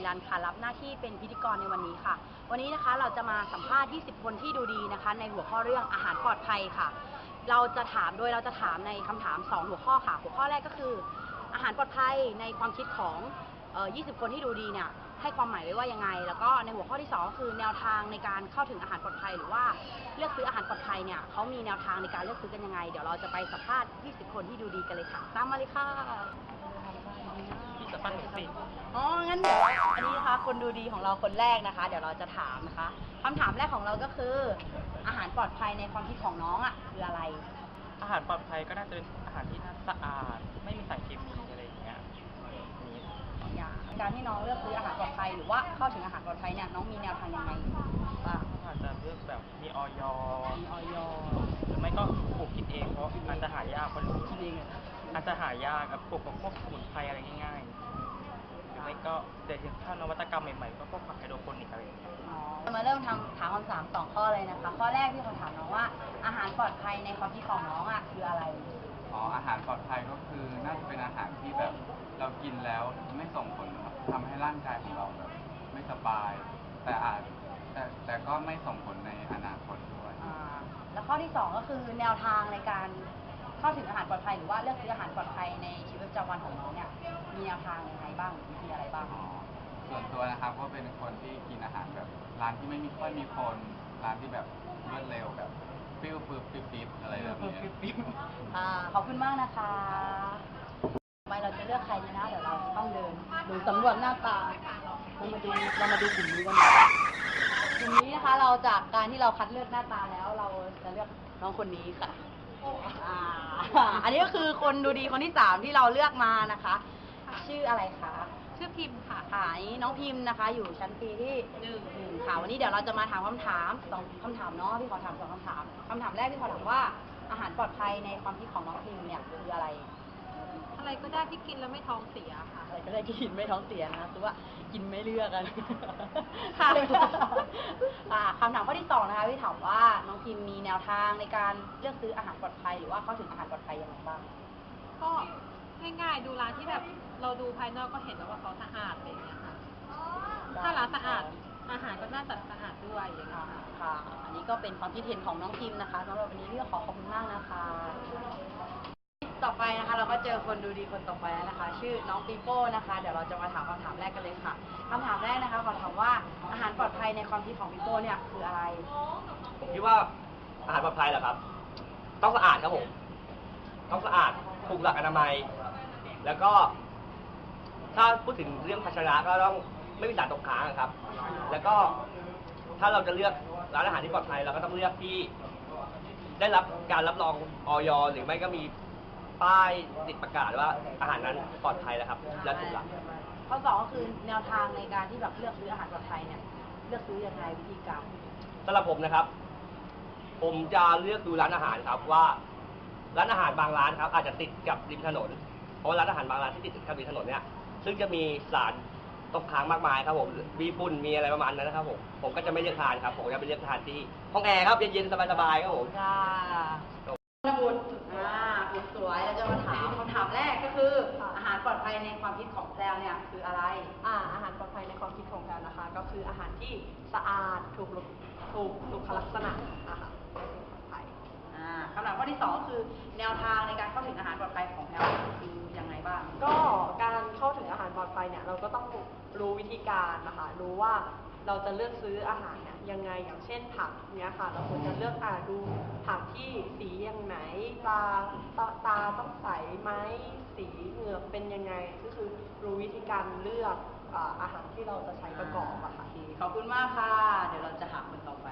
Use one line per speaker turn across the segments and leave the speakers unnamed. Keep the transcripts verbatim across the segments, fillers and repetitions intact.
ยันค่ะรับหน้าที่เป็นพิธีกรในวันนี้ค่ะวันนี้นะคะเราจะมาสัมภาษณ์ยี่สิบคนที่ดูดีนะคะในหัวข้อเรื่องอาหารปลอดภัยค่ะเราจะถามโดยเราจะถามในคำถามสองหัวข้อค่ะหัวข้อแรกก็คืออาหารปลอดภัยในความคิดของเอ่อยี่สิบคนที่ดูดีเนี่ยให้ความหมายไว้ว่ายังไงแล้วก็ในหัวข้อที่สองก็คือแนวทางในการเข้าถึงอาหารปลอดภัยหรือว่าเลือกซื้ออาหารปลอดภัยเนี่ยเขามีแนวทางในการเลือกซื้อกันยังไงเดี๋ยวเราจะไปสัมภาษณ์ยี่สิบคนที่ดูดีกันเลยค่ะตามมาเลยค่ะ
ที่จะปั้นหนูสิ
อ๋องั้นเดี๋ยวอันนี้นะคะคนดูดีของเราคนแรกนะคะเดี๋ยวเราจะถามนะคะคำถามแรกของเราก็คืออาหารปลอดภัยในความคิดของน้องอ่ะคืออะไร
อาหารปลอดภัยก็น่าจะเป็นอาหารที่น่าสะอาดไม่มีสารเคมีอะไรอย่างเงี้ยนี้
อย่างการที่น้องเลือกซื้ออาหารปลอดภัยหรือว่าเข้าถึงอาหารปลอดภัยเนี่ยน้องมีแนวทางยังไงบ้าง
อาจจะเลือกแบบมีออย
มีออย
หรือไม่ก็ปลูกกินเองเพราะอาจจะหายากคน
กินเอง
อาจจะหายากกับปลูกกับพวกสมุนไพรอะไรง่ายๆหรือไม่ก็เดี๋ยวถ้านวัตกรรมใหม่ๆก็พวกผักไฮโดรโปนิกอะไรอย่างเงี้ย
มาเริ่มทำถามคำถามสองข้อเลยนะคะข้อแรกที่เขาถามน้องว่าอาหารปลอดภัยในความคิดของน้องอ่ะคืออะไร
อ๋ออาหารปลอดภัยก็คือน่าจะเป็นอาหารที่แบบเรากินแล้วไม่ส่งผลทำให้ร่างกายของเราแบบไม่สบายแต่อาจแต่แต่ก็ไม่ส่งผลในอนาคตด้วย
อ่าแล้วข้อที่สองก็คือแนวทางในการเข้าถึงอาหารปลอดภัยหรือว่าเลือกซื้ออาหารปลอดภัยในชีวิตประจำวันของน้องเนี่ยมีแนวทางยังไงบ้างวิธีอะไรบ้าง
อ๋อส่วนตัวนะครับก็เป็นคนที่กินอาหารแบบร้านที่ไม่มีค่อยมีคนร้านที่แบบรวดเร็วแบบปิ้วปึ๊บปิ๊บปิ๊บอะไรแบบนี้
อ่าขอบคุณมากนะคะทำไมเราจะเลือกใครดีนะเดี๋ยวเราต้องเดินดูสำรวจหน้าตาเรามาดูเรามาดูกลุ่มนี้กันกลุ่มนี้นะคะเราจากการที่เราคัดเลือกหน้าตาแล้วเราจะเลือกน้องคนนี้ค่ะอ่าอันนี้ก็คือคนดูดีคนที่สามที่เราเลือกมานะคะชื่ออะไรคะชื่อพิมพ์ค่ะค่ะนี้น้องพิมพ์นะคะอยู่ชั้นปีที่หนึ่งหนึ่งค่ะวันนี้เดี๋ยวเราจะมาถามคำถามสองคำถามเนาะพี่ขอถามสองคำถามคำถามแรกพี่ขอถามว่าอาหารปลอดภัยในความคิดของน้องพิมพ์เนี่ยคืออะไร
อะไรก็ได้ที่กินแล้วไม่ท้องเสียค่ะ
อะไรก็ได้ที่กินไม่ท้องเสียนะคือว่ากินไม่เลือกกัน
ค่ะ
คำถามข้อที่สองนะคะพี่ถามว่าน้องพิมมีแนวทางในการเลือกซื้ออาหารปลอดภัยหรือว่าเข้าถึงอาหารปลอดภัยยังไงบ้าง
ก็ง่ายๆดูร้านที่แบบเราดูภายนอกก็เห็นแล้วว่าเขาสะอาดอะไรอย่างเงี้ยค่ะถ้าร้านสะอาดอาหารก็น่าจะสะอาดด้วยอย่างเงี้ยค่ะ
ค่ะอันนี้ก็เป็นความคิดเห็นของน้องพิมนะคะสำหรับวันนี้พี่ขอขอบคุณมากนะคะต่อไปนะคะเราก็เจอคนดูดีคนต่อไปแล้วนะคะชื่อน้องปีโป้นะคะเดี๋ยวเราจะมาถามคำถามแรกกันเลยค่ะคำถามแรกนะคะขอถามว่าอาหารปลอดภัยในความคิดของปีโป้เนี่ยคืออะไร
ผมคิดว่าอาหารปลอดภัยเหรอครับต้องสะอาดครับผมต้องสะอาดถูกหลักอนามัยแล้วก็ถ้าพูดถึงเรื่องภาชนะก็ต้องไม่มีสารตกค้างครับ แล้วก็ถ้าเราจะเลือกร้านอาหารที่ปลอดภัยเราก็ต้องเลือกที่ได้รับการรับรองอย.หรือไม่ก็มีป้ายติดประกาศว่าอาหารนั้นปลอดภัยแล้วครับและถูกหลัก
ข้อสองก็คือแนวทางในการที่แบบเลือกซื้ออาหารปลอดภัยเนี่ยเลือกซื้อยังไงวิธีการ
สำหรับผมนะครับผมจะเลือกดูร้านอาหารครับว่าร้านอาหารบางร้านครับอาจจะติดกับริมถนนเพราะร้านอาหารบางร้านที่ติดกับริมถนนเนี่ยซึ่งจะมีสารตกค้างมากมายครับผมมีฝุ่นมีอะไรประมาณนั้นนะครับผมผมก็จะไม่เลือกทานครับผมจะไปเลือกทานที่ห้องแอร์ครับเย็นๆสบายๆครับผม
ค่ะนบุญอ่าคุณสวยเราจะมาถามคำถามแรกก็คืออาหารปลอดภัยในความคิดของแพรวเนี่ยคืออะไร
อ่าอาหารปลอดภัยในความคิดของแพรวนะคะก็คืออาหารที่สะอาดถูกถูกสุขลักษณะนะคะปลอดภัย
อ่าคำถามข้อที่สองก็คือแนวทางในการเข้าถึงอาหารปลอดภัยของแพรวคือยังไงบ้าง
ก็การเข้าถึงอาหารปลอดภัยเนี่ยเราก็ต้องรู้วิธีการนะคะรู้ว่าเราจะเลือกซื้ออาหารเนี่ยยังไงอย่างเช่นผักเนี้ยค่ะเราควรจะเลือกอ่าดูผักที่สีอย่างไหนตาตาตาต้องใสไหมสีเหงือกเป็นยังไงก็คือรู้วิธีการเลือกอาหารที่เราจะใช้ประกอบอะค่ะ
ขอบคุณมากค่ะเดี๋ยวเราจะหาคนต่อไป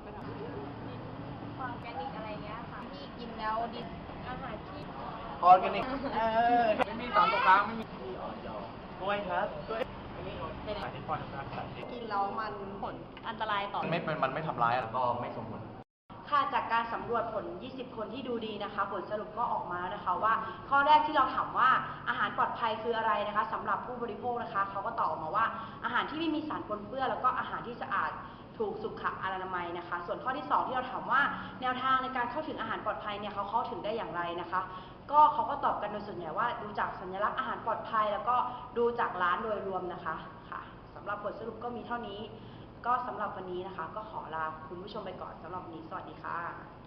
ออร์แกนิกอะไรเงี้ยค่ะที่กินแล้วดิอาหารที่
ออร์แกนิกเออไม่มีสารตกค้างไม่มีออย.
กล้วยครับกล้วยสารที่ปลอดภัย
กินแล้วมันผลอันตรายต่อ
ไม่เป็นมันไม่ทำร้ายแล้วก็ไม่ส่งผล
ค่ะจากการสำรวจผลยี่สิบคนที่ดูดีนะคะผลสรุปก็ออกมานะคะว่าข้อแรกที่เราถามว่าอาหารปลอดภัยคืออะไรนะคะสำหรับผู้บริโภคนะคะเขาก็ตอบออกมาว่าอาหารที่ไม่มีสารปนเปื้อนแล้วก็อาหารที่สะอาดถูกสุขอนามัยนะคะส่วนข้อที่สองที่เราถามว่าแนวทางในการเข้าถึงอาหารปลอดภัยเนี่ยเขาเข้าถึงได้อย่างไรนะคะก็เขาก็ตอบกันโดยส่วนใหญ่ว่าดูจากสัญลักษณ์อาหารปลอดภัยแล้วก็ดูจากร้านโดยรวมนะคะค่ะสำ
หรับผลสรุปก็มีเท่านี้ก็สำหรับวันนี้นะคะ ก็ขอลาคุณผู้ชมไปก่อนสำหรับวันนี้สวัสดีค่ะ